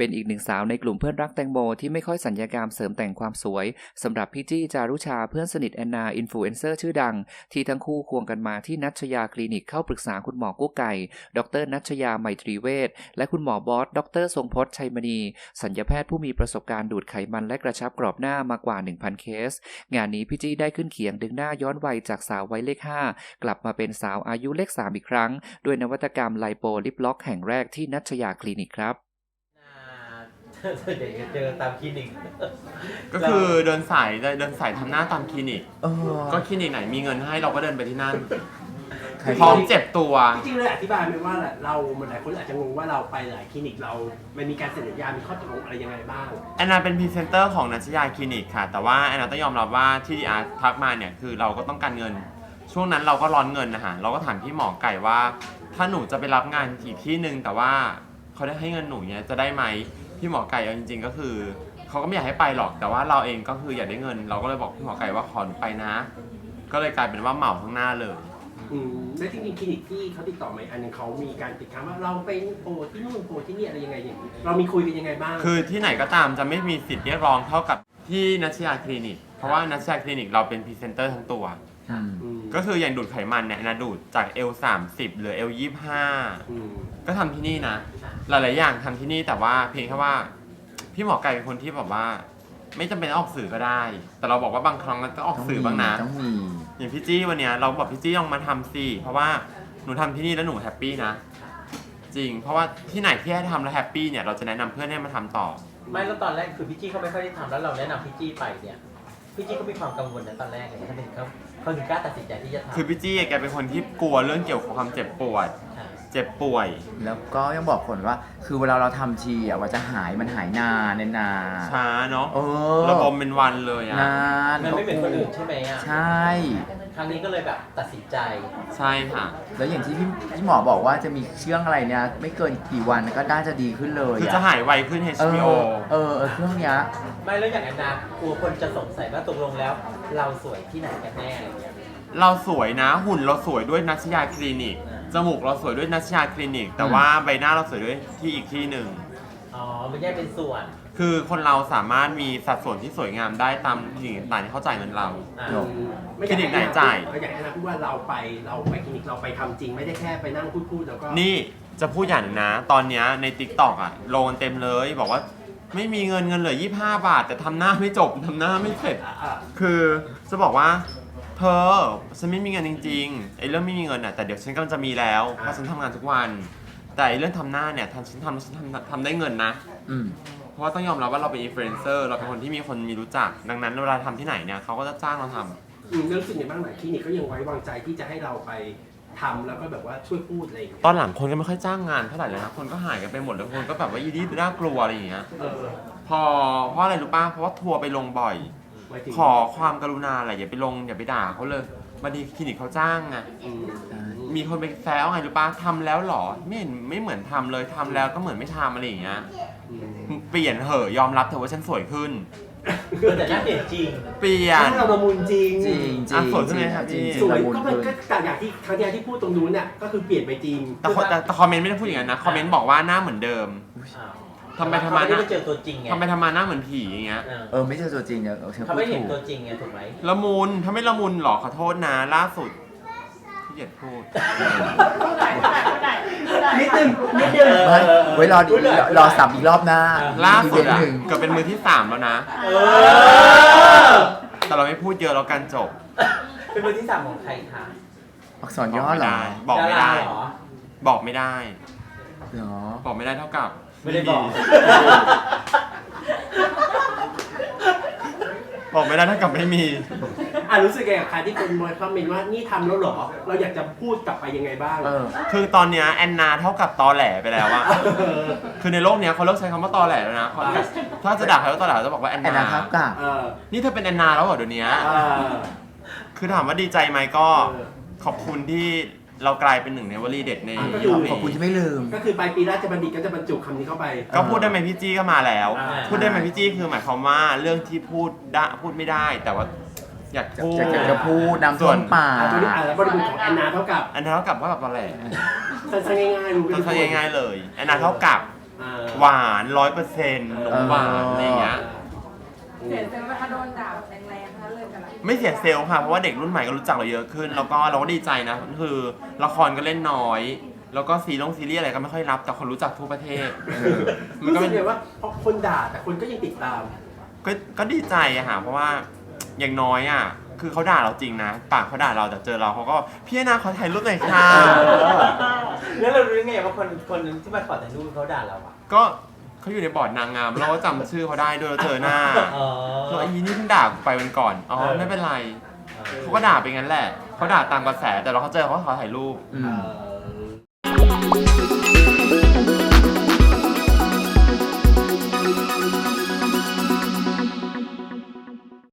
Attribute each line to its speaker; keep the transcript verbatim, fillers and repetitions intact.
Speaker 1: เป็นอีกหนึ่งสาวในกลุ่มเพื่อนรักแตงโมที่ไม่ค่อยสัญญกรรมเสริมแต่งความสวยสำหรับพี่จี้จารุชาเพื่อนสนิทแอนนาอินฟลูเอนเซอร์ชื่อดังที่ทั้งคู่ควงกันมาที่นัชยาคลินิกเข้าปรึกษาคุณหมอกุ๊กไก่ดรนัชยาไมตรีเวชและคุณหมอบอสดรทรงพจน์ชัยมณีศัลยแพทย์ผู้มีประสบการณ์ดูดไขมันและกระชับกรอบหน้ามากว่า หนึ่งพัน เคสงานนี้พี่จี้ได้ขึ้นเขียงดึงหน้าย้อนวัยจากสาววัยเลขห้ากลับมาเป็นสาวอายุเลขสามอีกครั้งด้วยนวัตกรรมไลโปลิปล็อกแห่งแรกที่นัชยาคลินิกครับ
Speaker 2: ส่วนใหญ่จะเจอตามคลินิก
Speaker 3: ก็คือเดินสายเดินสายทำหน้าตามคลินิกก็คลินิกไหนมีเงินให้เราก็เดินไปที่นั่นพร้อมเจ็บตัว
Speaker 4: จริงๆเลยอธิบายไหมว่าเรามันหลายคนอาจจะงงว่าเราไปหลายคลินิกเรามันมีการเซ็นสัญญามีข้อตกลงอะไรยังไงบ้าง
Speaker 3: แอนนาเป็นพรีเซนเตอร์ของนัชยาคลินิกค่ะแต่ว่าแอนนาต้องยอมรับว่าที่ดีอาร์ทักมาเนี่ยคือเราก็ต้องการเงินช่วงนั้นเราก็ร้อนเงินนะฮะเราก็ถามพี่หมอไก่ว่าถ้าหนูจะไปรับงานอีกที่นึงแต่ว่าเขาได้ให้เงินหนูเนี่ยจะได้ไหมพี่หมอไก่เอาจริงๆก็คือเขาก็ไม่อยากให้ไปหรอกแต่ว่าเราเองก็คืออยากได้เงินเราก็เลยบอกพี่หมอไก่ว่าขอหนูไปนะก็เลยกลายเป็นว่าเหมาข้างหน้าเลย
Speaker 4: อืมแล้วจริงๆคลินิกที่เขาติดต่อมาอันนึงเขามีการติดค้างว่าเราไปโปรที่นู่นโปรที่นี่อะไรยังไงอย่างนี้เรามีคุยกันยังไงบ้าง
Speaker 3: คือที่ไหนก็ตามจะไม่มีสิทธิ์เรียกร้องเท่ากับที่นัชยาคลินิกเพราะว่านัชยาคลินิกเราเป็นพรีเซนเตอร์ทั้งตัวก็คืออย่างดูดไขมันเนี่ยนะดูดจาก เอล สามสิบ หรือ เอล ยี่สิบห้าก็ทำที่นี่นะหลายๆอย่างทำที่นี่แต่ว่าเพียงแค่ว่าพี่หมอไก่เป็นคนที่แบบว่าไม่จำเป็นต้องออกสื่อก็ได้แต่เราบอกว่าบางครั้งมันต้องออกสื่อบ้างนะ
Speaker 5: ต้องมี
Speaker 3: อย่างพี่จี้วันนี้เราบอกพี่จี้ลองมาทำสิเพราะว่าหนูทำที่นี่แล้วหนูแฮปปี้นะจริงเพราะว่าที่ไหนที่ให้ทำแล้วแฮปปี้เนี่ยเราจะแนะนำเพื่อนให้มาทำต่อ
Speaker 2: ไม่แล้วตอนแรกคือพี่จี้เขาไม่ค่อยได้ทำแล้วเราแนะนำพี่จี้ไปเนี่ยพี่จี้ก็มีความกังวลนะตอนแรกเลยเขาถึงเขาเขาถึงกล้าตัดสินใจที่จะทำ
Speaker 3: คือพี่จี้แกเป็นคนที่กลัวเรื่องเกี่ยวกับความเจ็บปวดเจ็บป่วย
Speaker 5: แล้วก็ยังบอกคนว่าคือเวลาเราทำทีอ่ะว่าจะหายมันหายนานนาน
Speaker 3: ช้าเนาะระบมเป็นวันเลยอ่ะ
Speaker 5: นาน
Speaker 2: มันไม่เป็นคนอื่นใช่ไหมอ่ะ
Speaker 5: ใช่
Speaker 2: ครั้งนี้ก็เลยแบบตัดสินใจ
Speaker 3: ใช่ค่ะ
Speaker 5: แล้วอย่างที่พี่พี่หมอบอกว่าจะมีเครื่องอะไรเนี่ยไม่เกินกี่วันก็น่าจะดีขึ้นเลย
Speaker 3: คือจะหายไวขึ้น เอช พี โอ
Speaker 5: เออเออเครื่องเนี้ย
Speaker 2: ไม่แล้วอย่างแอนนากลัวคนจะสงสัยว่าตกลงแล้วเราสวยที่ไหนกันแน่อะไรเงี้ย
Speaker 3: เราสวยนะหุ่นเราสวยด้วยนัชยาคลินิกจมูกเราสวยด้วยนัชยาคลินิกแต่ว่าใบหน้าเราสวยด้วยที่อีกที่หนึ่ง
Speaker 2: อ๋อมันแยกเป็นส่วน
Speaker 3: คือคนเราสามารถมีสัดส่วนที่สวยงามได้ตามคลินิกต่างๆที่เขาจ่ายเงินเราคลินิกไหนจ่าย
Speaker 4: เราอยากให้นะพูดว่าเราไปเราไปคลินิกเราไปทำจริงไม่ได้แค่ไปนั่งพูดๆแล้วก็
Speaker 3: นี่จะพูดอย่างนะตอนนี้ใน ติ๊กต็อก อ่ะโลนเต็มเลยบอกว่าไม่มีเงินเงินเหลือยี่สิบห้าบาทแต่ทำหน้าไม่จบทำหน้าไม่เสร็จคือจะบอกว่าเธอฉันไม่มีเงินจริงๆไอ้เรื่องไม่มีเงินอ่ะแต่เดี๋ยวฉันกำลังจะมีแล้วเพราะฉันทำงานทุกวันแต่ไอ้เรื่องทำหน้าเนี่ยทำฉันทำฉันทำทำได้เงินนะเพราะว่าต้องยอมรับว่าเราเป็นอินฟลูเอนเซอร์เราเป็นคนที่มีคนมีรู้จักดังนั้นเวลาทำที่ไหนเนี่ยเขาก็จะจ้างเราทำ
Speaker 4: อืมรู้สึกยังไงบ้างไหนคลินิกก็ยังไว้วางใจที่จะให้เราไปทำแล้วก็แบบว่าช่วยพูดอะไรอย่างเงี้ย
Speaker 3: ตอนหลังคนก็ไม่ค่อยจ้างงานเท่าไหร่เลยนะคนก็หายกันไปหมดแล้วคนก็แบบว่ายีดีน่ากลัวอะไรอย่างเงี้ยพอเพราะอะไรรู้ป่ะเพราะว่าทัวร์ไปลงบ่อยขอความกรุณาอะไรอย่าไปลงอย่าไปด่าเขาเลยบางทีคลินิกเขาจ้างไงมีคนไปแซวไงรู้ป่ะทำแล้วหรอไม่เห็นไม่เหมือนทำเลยทำแล้วก็เหมือนไม่ทำอะไรอย่างเงี้ยเปลี่ยนเหอะยอมรับเถอะว่าฉันสวยขึ้น
Speaker 2: แต่หน้าเปลี่ยนจริง
Speaker 3: เปลี่ยน
Speaker 4: เราละมุนจริง
Speaker 5: จริงจริง
Speaker 3: สวยขึ้นไหมครับพี่
Speaker 4: สวยก็มันก็ต่างอย่างที่ครั้งที่ที่พูดตรงนู้นเนี่ยก็คือเปลี่ยนไปจริง
Speaker 3: แต่แต่คอมเมนต์ไม่ได้พูดอย่างนั้นนะคอมเมนต์บอกว่าหน้าเหมือนเดิมทำไมทำไม
Speaker 2: ไม่ได้เจอตัวจริงไง
Speaker 3: ทำไมทำไมหน้าเหมือนผีอย่างเงี้ย
Speaker 5: เออไม่เจอตัวจริงเนี่ย
Speaker 2: เขาไม่เห็นตัวจริงไงถูกไหม
Speaker 3: ละมุนถ้าไม่ละมุนหรอขอโทษนะล่าสุดที่เหยียดพูด
Speaker 4: นิดนึงนิดนึง
Speaker 5: ไว้รอดีรอสับอีกรอบหน้า
Speaker 3: ล่าสุดอ่ะเกือบเป็นมือที่สามแล้วนะแต่เราไม่พูดเยอะแล้วกันจบ
Speaker 2: เป็นมือที่สามของใครคะ
Speaker 5: อักษรย่อเหรอ
Speaker 3: บอกไม่ได้บอกไม่ได้
Speaker 5: หรอ
Speaker 3: บอกไม่ได้เท่ากับ
Speaker 2: ไม่ได้บอก
Speaker 3: บอกไม่ได้เท่ากับไม่มี
Speaker 4: อ่ะรู้สึกไงกับใครที่คนมวยคอมเมนต์ว่านี่ทำแล้วหรอเราอยากจะพูดกลับไปยังไงบ้าง
Speaker 3: คือตอนนี้แอนนาเท่ากับตอแหลไปแล้วอะคือในโลกนี้เขาเลิกใช้คำว่าตอแหลแล้วนะถ้าจะด่าใครว่าตอแหลจะบอกว่าแอนนา
Speaker 5: เท่ากับ
Speaker 3: นี่เธอเป็นแอนนาแล้วเหรอเดี๋ยวนี้คือถามว่าดีใจไหมก็ขอบคุณที่เรากลายเป็นหนึ่งในวลีเด็ดใน
Speaker 5: ยุคนี้ขอบคุณที่ไม่ลืม
Speaker 4: ก็คือปลายปีราชบัณฑิตก็จะบรรจุคำนี้เข้าไป
Speaker 3: ก็พูดได้ไหมพี่จี้ก็มาแล้วพูดได้ไหมพี่จี้คือหมายความว่าเรื่องที่พูดได้พูดไม่ได้แต่ว่าอยากพูด
Speaker 5: อยากจะพูดนำส่วนป่า
Speaker 4: แล้วบริบทของแอนนาเท่ากับ
Speaker 3: แอนนาเท่ากับว่าแบบอะไร
Speaker 4: สั้นๆง่ายๆรู้
Speaker 3: สั้นๆง่ายๆเลยแอนนาเท่ากับ
Speaker 4: อ่า
Speaker 3: หวานร้อยเปอร์เซ็นต์นมหวานอะไรอย่างเงี้ย
Speaker 6: เสียเซลล์นะคะโดนด่าแรงๆทั้งนั้นเลยกันละ
Speaker 3: ไม่เสียเซลล์ค่ะ เพราะว่าเด็กรุ่นใหม่ก็รู้จักเราเยอะขึ้น แล้วก็เราก็ดีใจนะ คือละครก็เล่นน้อย แล้วก็ซีรีส์ซีรีส์อะไรก็ไม่ค่อยรับ แต่คนรู้จักทั่วประเทศมัน
Speaker 4: รู้
Speaker 3: ก็
Speaker 4: สึ
Speaker 3: เป็
Speaker 4: ก
Speaker 3: น
Speaker 4: เลยว่าพอคนด่าแต่คนก็ยังติดตาม
Speaker 3: ก็ก็ดีใจอะค่ะเพราะว่าอย่างน้อยอะคือเขาด่าเราจริงนะ ปากเขาด่าเราแต่เจอเราเขาก็พี่นาขอถ่ายรูปหน่อยค่ะ
Speaker 2: แล้วเรารู้ยังไงว่าคนคนที่มาขอถ่ายรูปเขาด่าเราอ่ะ
Speaker 3: ก็เขาอยู่ในบอร์ดนางงามเราก็จำชื่อเขาได้ด้วยเราเจอหน้า
Speaker 2: อ๋อ
Speaker 3: แล้วไอ้นี่เพิ่งด่ากูไปวันก่อนอ๋อไม่เป็นไรเขาก็ด่าไปงั้นแหละเขาด่าตามกระแสแต่เราเขาเจอเขาก็ขอถ่ายรูป
Speaker 5: อื
Speaker 2: เอ
Speaker 5: ม
Speaker 2: อ